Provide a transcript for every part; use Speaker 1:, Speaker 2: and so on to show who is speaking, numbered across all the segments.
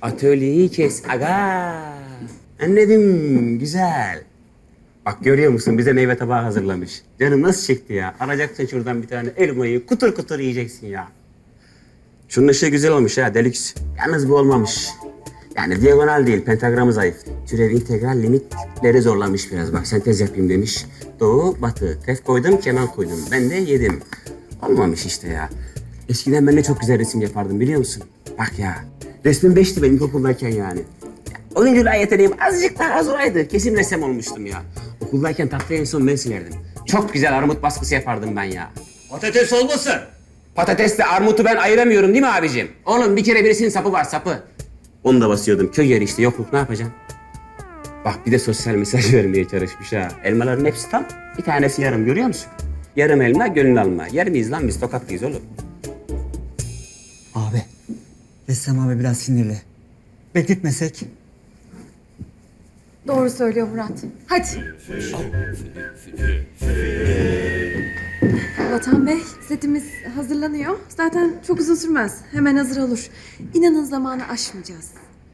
Speaker 1: Atölyeyi kes aga. Anladım, güzel. Bak görüyor musun bize meyve tabağı hazırlamış. Canım nasıl çekti ya. Alacaksın şuradan bir tane elmayı kutur kutur yiyeceksin ya. Şunun ışığı güzel olmuş ha, deluxe. Yalnız bu olmamış. Yani diagonal değil, pentagramı zayıf. Türev integral limitleri zorlamış biraz. Bak sentez yapayım demiş. Doğu, batı. Tef koydum, kenar koydum. Ben de yedim. Olmamış işte ya. Eskiden ben de çok güzel resim yapardım biliyor musun? Bak ya. Resmim 5'ti benim ilkokuldayken yani. Oyunculuğa yeteneğim azıcık daha az olaydı. Kesin ressam olmuştum ya. Okuldayken tahtayı en son ben silerdim. Çok güzel armut baskısı yapardım ben ya.
Speaker 2: Patates olmasın.
Speaker 1: Patatesle armutu ben ayıramıyorum değil mi abicim? Oğlum bir kere birisinin sapı var, sapı. Onu da basıyordum. Köy yeri işte, yokluk ne yapacaksın? Bak bir de sosyal mesaj vermeye çalışmış ha. Elmaların hepsi tam, bir tanesi yarım görüyor musun? Yarım elma, gönül alma. Yer miyiz lan biz, tokatlıyız oğlum.
Speaker 3: Abi, Ressam abi biraz sinirli. Bekletmesek.
Speaker 4: Doğru söylüyor Murat. Hadi. Vatan Bey, setimiz hazırlanıyor. Zaten çok uzun sürmez. Hemen hazır olur. İnanın zamanı aşmayacağız.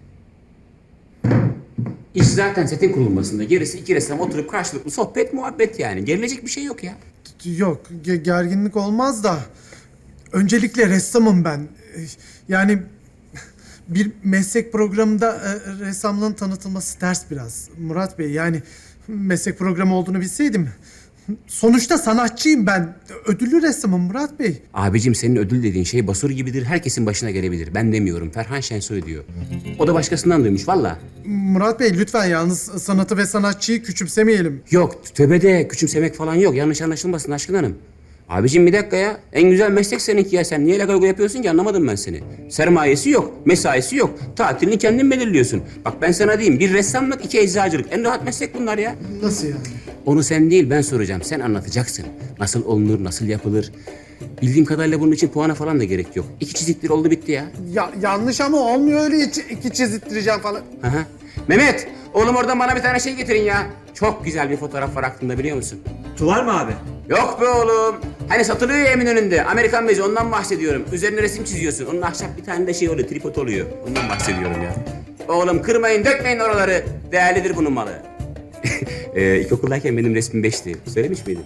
Speaker 1: İş zaten setin kurulmasında. Gerisi iki ressam oturup karşılıklı sohbet, muhabbet yani. Gerilecek bir şey yok ya.
Speaker 5: Yok, gerginlik olmaz da. Öncelikle ressamım ben. Yani bir meslek programında ressamlığın tanıtılması ters biraz. Murat Bey, yani meslek programı olduğunu bilseydim. Sonuçta sanatçıyım ben. Ödüllü ressamım Murat Bey.
Speaker 1: Abicim senin ödül dediğin şey basur gibidir. Herkesin başına gelebilir. Ben demiyorum. Ferhan Şensoy diyor. O da başkasından duymuş valla.
Speaker 5: Murat Bey lütfen yalnız sanatı ve sanatçıyı küçümsemeyelim.
Speaker 1: Yok tövbede küçümsemek falan yok. Yanlış anlaşılmasın Aşkın Hanım. Abicim bir dakika ya. En güzel meslek seninki ya. Sen niye legago yapıyorsun ki anlamadım ben seni. Sermayesi yok. Mesaisi yok. Tatilini kendin belirliyorsun. Bak ben sana diyeyim. Bir ressamlık, iki eczacılık. En rahat meslek bunlar ya.
Speaker 5: Nasıl yani?
Speaker 1: Onu sen değil ben soracağım. Sen anlatacaksın. Nasıl olunur, nasıl yapılır. Bildiğim kadarıyla bunun için puana falan da gerek yok. 2 çiziktir oldu bitti ya.
Speaker 5: Ya yanlış ama olmuyor öyle iki çizittireceğim falan.
Speaker 1: Aha. Mehmet, oğlum oradan bana bir tane şey getirin ya. Çok güzel bir fotoğraf var aklımda biliyor musun?
Speaker 2: Tuval mı abi?
Speaker 1: Yok be oğlum. Hani satılıyor ya Eminönü'nde. Amerikan bezi ondan bahsediyorum. Üzerine resim çiziyorsun. Onun ahşap bir tane de şey oluyor, tripod oluyor. Ondan bahsediyorum ya. Oğlum kırmayın, dökmeyin oraları. Değerlidir bunun malı. İlkokuldayken benim resmim 5'ti. Söylemiş miydim?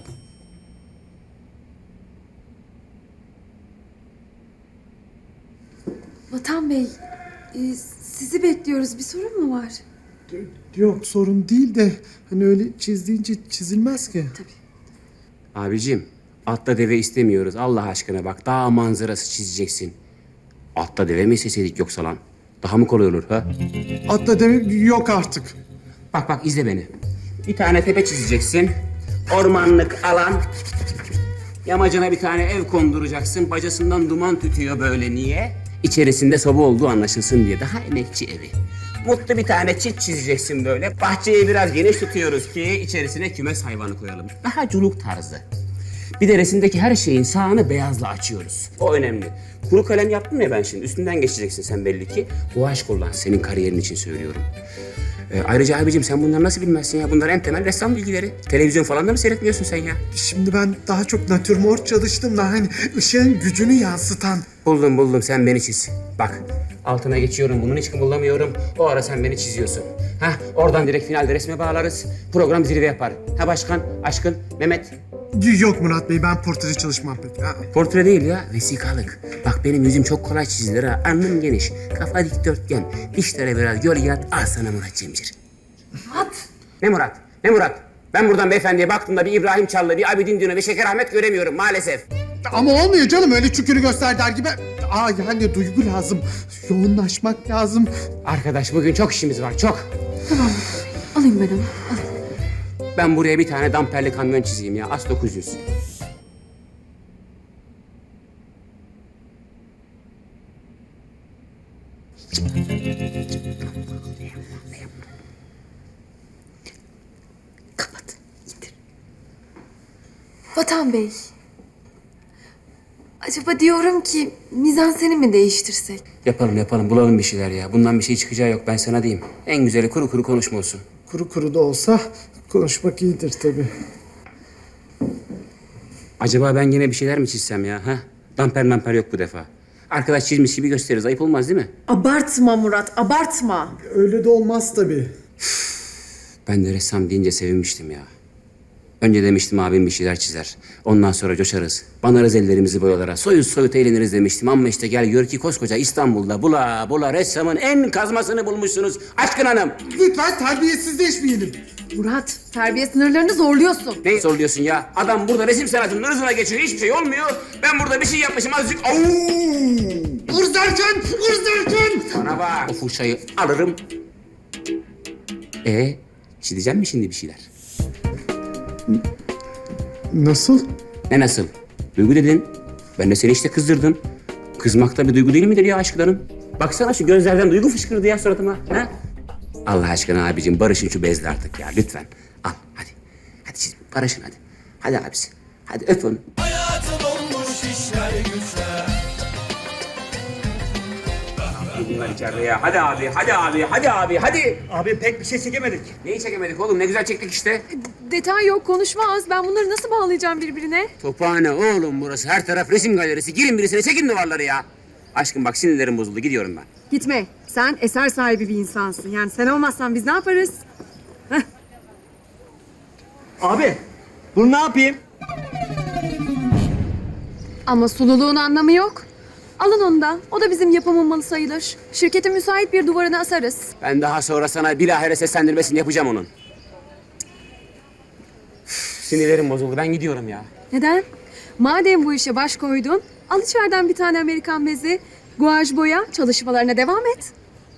Speaker 4: Vatan Bey, sizi bekliyoruz. Bir sorun mu var?
Speaker 5: Yok sorun değil de hani öyle çizdiğince çizilmez ki.
Speaker 1: Abicim, atla deve istemiyoruz. Allah aşkına bak, dağ manzarası çizeceksin. Atla deve mi isteseydik yoksa lan? Daha mı kolay olur ha?
Speaker 5: Atla demek yok artık.
Speaker 1: Bak bak izle beni. Bir tane tepe çizeceksin. Ormanlık alan. Yamacına bir tane ev konduracaksın. Bacasından duman tütüyor böyle niye? İçerisinde soba olduğu anlaşılsın diye. Daha emekçi evi. Mutlu bir tane çit çizeceksin böyle. Bahçeyi biraz geniş tutuyoruz ki içerisine kümes hayvanı koyalım. Daha culuk tarzı. Bir de resimdeki her şeyin sağını beyazla açıyoruz. O önemli. Kuru kalem yaptım ya ben şimdi. Üstünden geçeceksin sen belli ki. Bu aşk kullan. Senin kariyerin için söylüyorum. Ayrıca abicim sen bunları nasıl bilmezsin ya? Bunlar en temel ressam bilgileri. Televizyon falan da mı seyretmiyorsun sen ya?
Speaker 5: Şimdi ben daha çok natürmort çalıştım da hani ışığın gücünü yansıtan.
Speaker 1: Buldum sen beni çiz. Bak altına geçiyorum bunun hiç kımıldamıyorum. O ara sen beni çiziyorsun. Hah oradan direkt finalde resme bağlarız. Program zirve yapar. Ha başkan, Aşkın, Mehmet.
Speaker 5: Yok Murat Bey ben portre çalışmam pek. Ha.
Speaker 1: Portre değil ya, vesikalık. Bak benim yüzüm çok kolay çizilir ha. Alnım geniş, kafa dikdörtgen. Dişlere biraz gölge al sana Murat Cemcir.
Speaker 4: Murat!
Speaker 1: Ne Murat? Ne Murat? Ben buradan beyefendiye baktığımda bir İbrahim Çallı, bir Abidin Dino, bir Şeker Ahmet göremiyorum maalesef.
Speaker 5: Ama olmuyor canım öyle çükürü göster der gibi. Yani duygu lazım. Yoğunlaşmak lazım.
Speaker 1: Arkadaş bugün çok işimiz var, çok.
Speaker 4: Tamam. Alayım ben onu. Alayım.
Speaker 1: Ben buraya bir tane damperli kamyon çizeyim ya, As 900.
Speaker 4: Kapat. İndir. Vatan Bey. Acaba diyorum ki mizanseni mi değiştirsek?
Speaker 1: Yapalım, bulalım bir şeyler ya. Bundan bir şey çıkacağı yok, ben sana diyeyim. En güzeli kuru kuru konuşma olsun.
Speaker 5: Kuru kuru da olsa konuşmak iyidir tabii.
Speaker 1: Acaba ben yine bir şeyler mi çizsem ya? Ha? Damper bu defa. Arkadaş çizmiş gibi gösteririz. Ayıp olmaz değil mi?
Speaker 4: Abartma Murat, abartma.
Speaker 5: Öyle de olmaz tabii.
Speaker 1: Ben de ressam deyince sevinmiştim ya. Önce demiştim abim bir şeyler çizer. Ondan sonra coşarız. Banarız ellerimizi boyalara. Soyut soyut eğleniriz demiştim. Ama işte gel gör ki koskoca İstanbul'da bula bula ressamın en kazmasını bulmuşsunuz. Aşkın hanım.
Speaker 5: Lütfen terbiyesizleşmeyelim.
Speaker 4: Murat, terbiye sınırlarını zorluyorsun.
Speaker 1: Ne soruyorsun ya? Adam burada resim sanatının ırzına geçiyor. Hiçbir şey olmuyor. Ben burada bir şey yapmışım azıcık. Au!
Speaker 5: Irz derken, ırz derken.
Speaker 1: Bana bak. O fırçayı alırım. Çizeceğim mi şimdi bir şeyler?
Speaker 5: Nasıl?
Speaker 1: Ne nasıl? Duygu dedin. Ben de seni işte kızdırdım. Kızmak da bir duygu değil midir ya aşklarım? Baksana şu gözlerden duygu fışkırdı ya suratıma. Ha? Allah aşkına abicim barışın şu bezle artık ya lütfen. Al hadi. Hadi siz barışın hadi. Hadi abisi. Hadi öp onu. Bunlar içeride ya. Hadi abi, hadi abi, hadi abi, hadi.
Speaker 2: Abi pek bir şey çekemedik.
Speaker 1: Neyi çekemedik oğlum? Ne güzel çektik işte.
Speaker 4: Detay yok, konuşma az. Ben bunları nasıl bağlayacağım birbirine?
Speaker 1: Tophane oğlum burası. Her taraf resim galerisi. Girin birisine çekin duvarları ya. Aşkım bak sinirlerim bozuldu. Gidiyorum ben.
Speaker 4: Gitme. Sen eser sahibi bir insansın. Yani sen olmazsan biz ne yaparız?
Speaker 2: Abi bunu ne yapayım?
Speaker 4: Ama sululuğun anlamı yok. Alın onu da. O da bizim yapımın malı sayılır. Şirketin müsait bir duvarına asarız.
Speaker 1: Ben daha sonra sana bilahare seslendirmesini yapacağım onun. Sinirlerim bozuldu. Ben gidiyorum ya.
Speaker 4: Neden? Madem bu işe baş koydun, al içeriden bir tane Amerikan bezi, guaj boya, çalışmalarına devam et.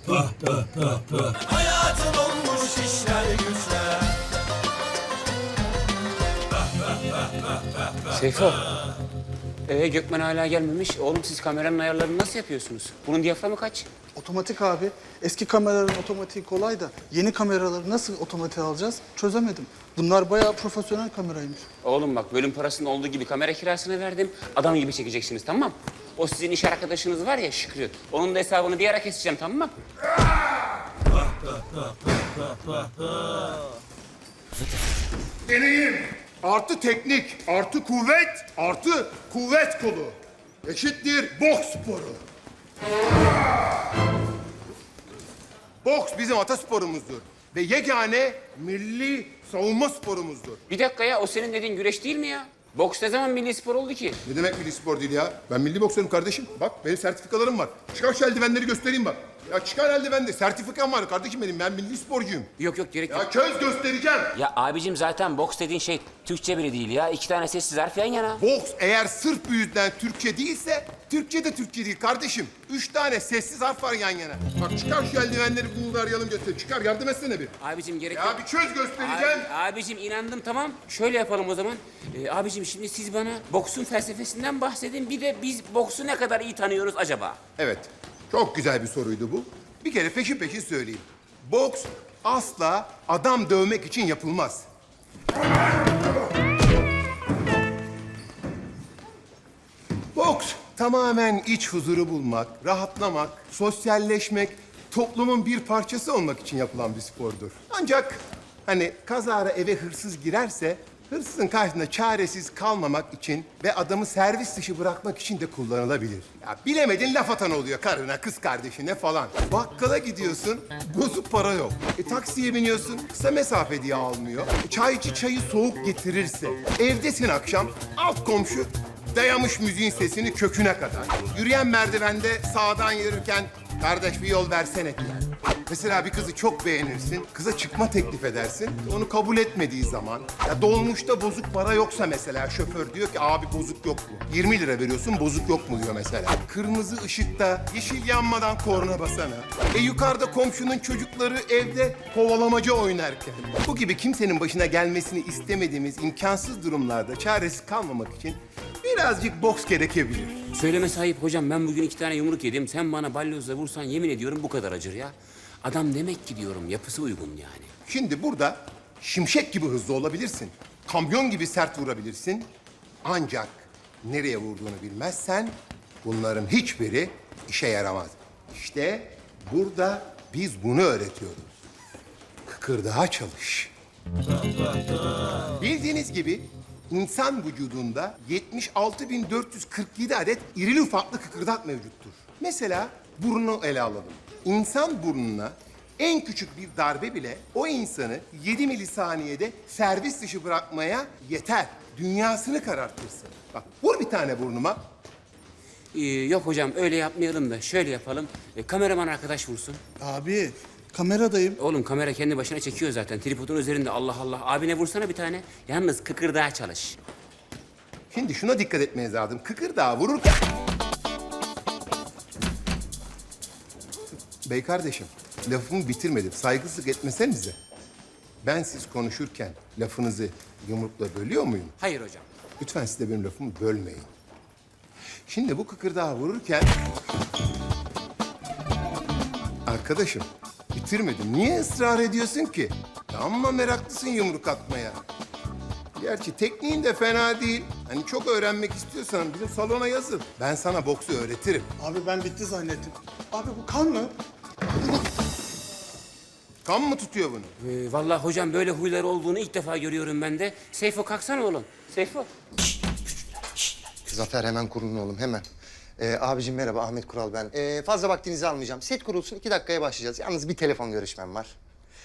Speaker 1: Seyfo. Gökmen hala gelmemiş. Oğlum siz kameranın ayarlarını nasıl yapıyorsunuz? Bunun diyaframı kaç?
Speaker 6: Otomatik abi. Eski kameraların otomatiği kolay da yeni kameraları nasıl otomatiğe alacağız çözemedim. Bunlar bayağı profesyonel kameraymış.
Speaker 1: Oğlum bak bölüm parasının olduğu gibi kamera kirasını verdim. Adam gibi çekeceksiniz tamam mı? O sizin iş arkadaşınız var ya Şükrü. Onun da hesabını bir ara keseceğim tamam mı?
Speaker 7: Deneyim artı teknik artı kuvvet artı kuvvet kolu eşittir boks sporu. Boks bizim atasporumuzdur ve yegane milli savunma sporumuzdur.
Speaker 1: Bir dakika ya o senin dediğin güreş değil mi ya? Boks ne zaman milli spor oldu ki?
Speaker 7: Ne demek milli spor değil ya? Ben milli boksörüm kardeşim. Bak benim sertifikalarım var. Çıkar şu eldivenleri göstereyim bak. Ya çıkar eldivenleri. Sertifikam var kardeşim benim. Ben milli sporcuyum.
Speaker 1: Yok gerek yok.
Speaker 7: Ya köz göstereceğim.
Speaker 1: Ya abicim zaten boks dediğin şey Türkçe bile değil ya. 2 tane sessiz harf yan yana.
Speaker 7: Boks eğer sırf bu yüzden Türkçe değilse, Türkçe de Türkçe değil kardeşim. 3 tane sessiz harf var yan yana. Bak çıkar şu eldivenleri bunu arayalım göster. Çıkar yardım etsene bir.
Speaker 1: Abicim gerek
Speaker 7: Ya
Speaker 1: yok.
Speaker 7: bir çöz göstereceğim.
Speaker 1: Abicim inandım tamam. Şöyle yapalım o zaman. Abicim şimdi siz bana boksun felsefesinden bahsedin. Bir de biz boksu ne kadar iyi tanıyoruz acaba?
Speaker 7: Evet, çok güzel bir soruydu bu. Bir kere peşin peşin söyleyeyim. Boks asla adam dövmek için yapılmaz. Boks tamamen iç huzuru bulmak, rahatlamak, sosyalleşmek, toplumun bir parçası olmak için yapılan bir spordur. Ancak hani kazara eve hırsız girerse hırsızın karşısında çaresiz kalmamak için ve adamı servis dışı bırakmak için de kullanılabilir. Ya bilemedin laf atan oluyor karına, kız kardeşine falan. Bakkala gidiyorsun, bozuk para yok. Taksiye biniyorsun, kısa mesafe diye almıyor. Çaycı çayı soğuk getirirse, evdesin akşam, alt komşu dayamış müziğin sesini köküne kadar. Yürüyen merdivende sağdan yürürken kardeş bir yol versene diyor. Mesela bir kızı çok beğenirsin, kıza çıkma teklif edersin. Onu kabul etmediği zaman, ya dolmuşta bozuk para yoksa mesela şoför diyor ki abi bozuk yok mu? 20 lira veriyorsun bozuk yok mu diyor mesela. Kırmızı ışıkta yeşil yanmadan korna basana. Yukarıda komşunun çocukları evde kovalamaca oynarken. Bu gibi kimsenin başına gelmesini istemediğimiz imkansız durumlarda çaresiz kalmamak için birazcık boks gerekebilir.
Speaker 1: Söyleme sahip hocam ben bugün 2 tane yumruk yedim. Sen bana balyozla vursan yemin ediyorum bu kadar acır ya. Adam demek ki diyorum yapısı uygun yani.
Speaker 7: Şimdi burada şimşek gibi hızlı olabilirsin. Kamyon gibi sert vurabilirsin. Ancak nereye vurduğunu bilmezsen bunların hiçbiri işe yaramaz. İşte burada biz bunu öğretiyoruz. Kıkırdağa çalış. Bildiğiniz gibi İnsan vücudunda 76.447 adet irili ufaklı kıkırdak mevcuttur. Mesela burnu ele alalım. İnsan burnuna en küçük bir darbe bile o insanı 7 milisaniyede servis dışı bırakmaya yeter. Dünyasını karartırsın. Bak vur bir tane burnuma.
Speaker 1: Yok hocam öyle yapmayalım da şöyle yapalım. Kameraman arkadaş vursun.
Speaker 6: Abi kameradayım.
Speaker 1: Oğlum kamera kendi başına çekiyor zaten. Tripodun üzerinde Allah Allah. Abine vursana bir tane. Yalnız kıkırdağa çalış.
Speaker 7: Şimdi şuna dikkat etmeniz lazım. Kıkırdağı vururken... Bey kardeşim, lafımı bitirmedim. Saygısızlık etmesenize. Ben siz konuşurken lafınızı yumrukla bölüyor muyum?
Speaker 1: Hayır hocam.
Speaker 7: Lütfen siz de benim lafımı bölmeyin. Şimdi bu kıkırdağı vururken... Arkadaşım, bitirmedim. Niye ısrar ediyorsun ki? Amma meraklısın yumruk atmaya. Gerçi tekniğin de fena değil. Hani çok öğrenmek istiyorsan bizim salona yazıl. Ben sana boksu öğretirim.
Speaker 6: Abi ben bitti zannettim. Abi bu kan mı?
Speaker 7: Kan mı tutuyor bunu?
Speaker 1: Vallahi hocam böyle huyları olduğunu ilk defa görüyorum ben de. Seyfo kalksana oğlum. Seyfo.
Speaker 8: Zafer hemen kurulun oğlum hemen. Abicim merhaba Ahmet Kural ben. Fazla vaktinizi almayacağım. Set kurulsun 2 dakikaya başlayacağız. Yalnız bir telefon görüşmem var.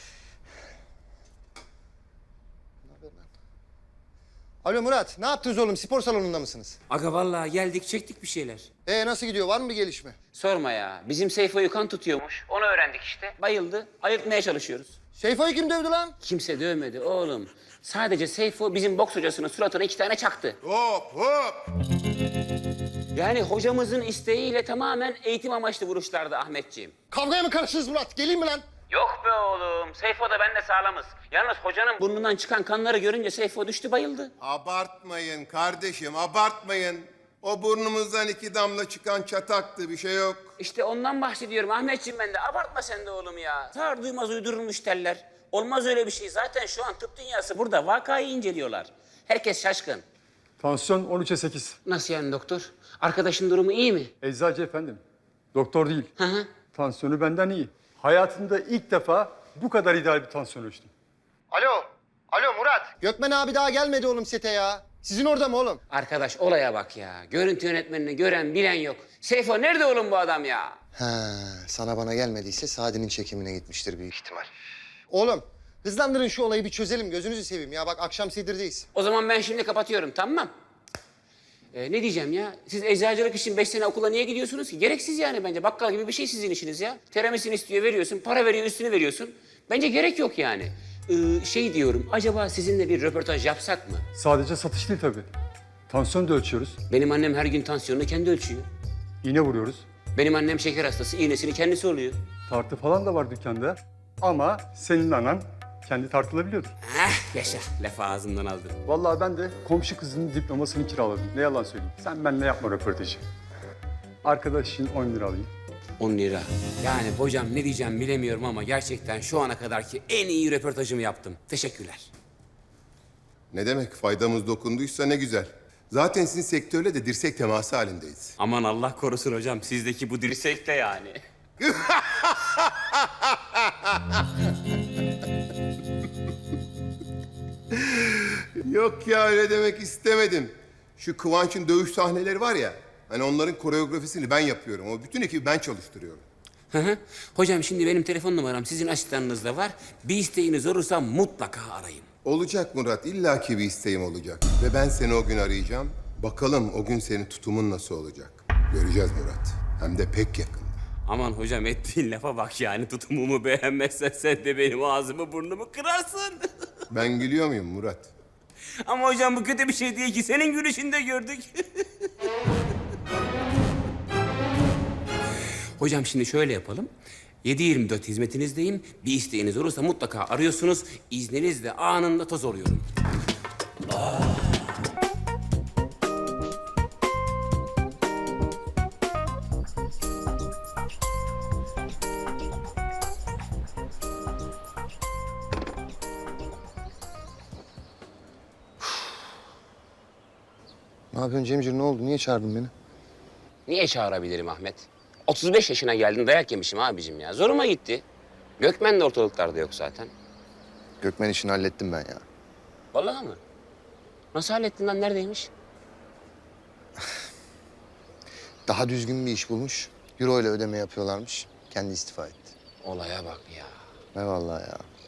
Speaker 8: Ne haber lan? Alo Murat ne yaptınız oğlum spor salonunda mısınız?
Speaker 1: Aga vallahi geldik çektik bir şeyler.
Speaker 8: Nasıl gidiyor var mı bir gelişme?
Speaker 1: Sorma ya. Bizim Seyfo'yu kan tutuyormuş. Onu öğrendik işte. Bayıldı. Ayıltmaya çalışıyoruz.
Speaker 8: Seyfo'yu kim dövdü lan?
Speaker 1: Kimse dövmedi oğlum. Sadece Seyfo bizim boks hocasının suratına 2 tane çaktı.
Speaker 7: Hop hop!
Speaker 1: Yani hocamızın isteğiyle tamamen eğitim amaçlı vuruşlardı Ahmetciğim.
Speaker 8: Kavgaya mı karıştınız Murat? Geleyim mi lan?
Speaker 1: Yok be oğlum. Seyfo da ben de sağlamız. Yalnız hocanın burnundan çıkan kanları görünce Seyfo düştü bayıldı.
Speaker 7: Abartmayın kardeşim, abartmayın. O burnumuzdan 2 damla çıkan çataktı, bir şey yok.
Speaker 1: İşte ondan bahsediyorum Ahmetciğim ben de. Abartma sen de oğlum ya. Sağır duymaz uydurulmuş teller. Olmaz öyle bir şey. Zaten şu an tıp dünyası burada. Vakayı inceliyorlar. Herkes şaşkın.
Speaker 9: Tansiyon 13'e 8.
Speaker 1: Nasıl yani doktor? Arkadaşın durumu iyi mi?
Speaker 9: Eczacı efendim. Doktor değil.
Speaker 1: Hı hı.
Speaker 9: Tansiyonu benden iyi. Hayatımda ilk defa bu kadar ideal bir tansiyon ölçtüm.
Speaker 8: Alo. Alo Murat. Gökmen abi daha gelmedi oğlum sete ya. Sizin orada mı oğlum?
Speaker 1: Arkadaş olaya bak ya. Görüntü yönetmenini gören bilen yok. Seyfo nerede oğlum bu adam ya?
Speaker 8: Sana bana gelmediyse Sadi'nin çekimine gitmiştir büyük ihtimal. Oğlum hızlandırın şu olayı bir çözelim gözünüzü seveyim ya. Bak akşam Sedir'deyiz.
Speaker 1: O zaman ben şimdi kapatıyorum tamam. Ne diyeceğim ya? Siz eczacılık için 5 sene okula niye gidiyorsunuz ki? Gereksiz yani bence. Bakkal gibi bir şey sizin işiniz ya. Teramisini istiyor veriyorsun, para veriyor üstünü veriyorsun. Bence gerek yok yani. Şey diyorum, acaba sizinle bir röportaj yapsak mı?
Speaker 9: Sadece satış değil tabii. Tansiyon da ölçüyoruz.
Speaker 1: Benim annem her gün tansiyonunu kendi ölçüyor.
Speaker 9: İğne vuruyoruz.
Speaker 1: Benim annem şeker hastası, iğnesini kendisi oluyor.
Speaker 9: Tartı falan da var dükkanda. Ama senin anan kendi tartılabiliyordur.
Speaker 1: Yaşa, lafı ağzımdan aldın.
Speaker 9: Vallahi ben de komşu kızının diplomasını kiraladım. Ne yalan söyleyeyim. Sen benimle yapma röportajı. Arkadaş için 10 lira alayım.
Speaker 1: 10 lira. Yani hocam ne diyeceğim bilemiyorum ama gerçekten şu ana kadarki en iyi röportajımı yaptım. Teşekkürler.
Speaker 7: Ne demek, faydamız dokunduysa ne güzel. Zaten sizin sektörle de dirsek teması halindeyiz.
Speaker 1: Aman Allah korusun hocam, sizdeki bu dirsek de yani.
Speaker 7: Yok ya, öyle demek istemedim. Şu Kıvanç'ın dövüş sahneleri var ya, hani onların koreografisini ben yapıyorum. O bütün ekibi ben çalıştırıyorum.
Speaker 1: Hı hı. Hocam şimdi benim telefon numaram sizin asistanınızda var. Bir isteğiniz olursa mutlaka arayın.
Speaker 7: Olacak Murat, illaki bir isteğim olacak. Ve ben seni o gün arayacağım. Bakalım o gün senin tutumun nasıl olacak. Göreceğiz Murat. Hem de pek yakın.
Speaker 1: Aman hocam ettiğin lafa bak yani, tutumumu beğenmezsen sen de benim ağzımı burnumu kırarsın.
Speaker 7: Ben gülüyor muyum Murat?
Speaker 1: Ama hocam bu kötü bir şey değil ki, senin gülüşünü de gördük. Hocam şimdi şöyle yapalım. 7/24 hizmetinizdeyim. Bir isteğiniz olursa mutlaka arıyorsunuz. İzninizle anında toz oluyorum.
Speaker 8: Ne yapıyorsun Cemcir ne oldu? Niye çağırdın beni?
Speaker 1: Niye çağırabilirim Ahmet? 35 yaşına geldin, dayak yemişim abicim ya. Zoruma gitti. Gökmen de ortalıklarda yok zaten.
Speaker 8: Gökmen işini hallettim ben ya.
Speaker 1: Vallahi mı? Nasıl hallettin lan? Neredeymiş?
Speaker 8: Daha düzgün bir iş bulmuş. Euro ile ödeme yapıyorlarmış. Kendi istifa etti.
Speaker 1: Olaya bak ya.
Speaker 8: Eyvallah ya.